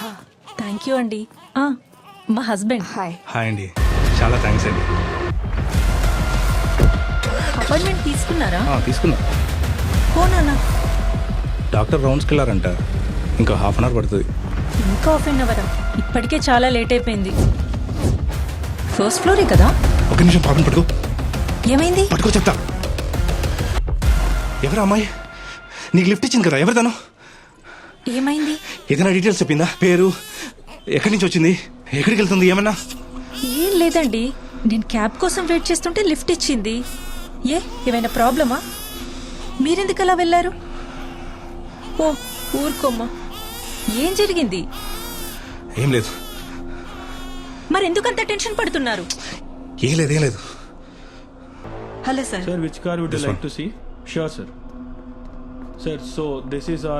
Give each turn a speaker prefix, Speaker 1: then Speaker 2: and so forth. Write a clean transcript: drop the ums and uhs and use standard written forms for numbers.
Speaker 1: Thank you అండి. మా husband.
Speaker 2: Hi.
Speaker 3: Hi అండి, చాలా థ్యాంక్స్ అండి.
Speaker 1: అపాయింట్మెంట్ తీసుకున్నారా?
Speaker 3: తీసుకున్నా.
Speaker 1: పోనా?
Speaker 3: డాక్టర్ రౌండ్స్కి వెళ్ళారంట, ఇంకా హాఫ్ అన్ అవర్ పడుతుంది.
Speaker 1: ఇంకా హాఫ్ అన్ అవరా? ఇప్పటికే చాలా లేట్ అయిపోయింది. ఫస్ట్ ఫ్లోరే కదా?
Speaker 3: ఒక నిమిషం పాపని పట్టుకో.
Speaker 1: ఏమైంది?
Speaker 3: పట్టుకో చెప్తా. ఎవరు అమ్మాయి? నీకు లిఫ్ట్ ఇచ్చింది కదా, ఎవరు తను?
Speaker 1: ఏమైంది?
Speaker 3: ఏదైనా డీటెయిల్స్ చెప్పిందా? పేరు, ఎక్కడి నుంచి వచ్చింది, ఎక్కడికి వెళ్తుంది, ఏమన్నా?
Speaker 1: ఏం లేదండి, నేను క్యాబ్ కోసం వెయిట్ చేస్తుంటే లిఫ్ట్ ఇచ్చింది. ఏమైనా ప్రాబ్లమా? మీరెందుకు అలా వెళ్ళారు? ఓ ఊరుకోమ్మా. ఏం జరిగింది?
Speaker 3: ఏం లేదు.
Speaker 1: మరెందుకంత టెన్షన్ పడుతున్నారు?
Speaker 3: ఏం లేదు, ఏం లేదు.
Speaker 1: Hello sir.
Speaker 4: Sir, which car would you
Speaker 3: This
Speaker 4: like
Speaker 3: one.
Speaker 4: to see? Sure, sir. Sir, so this is our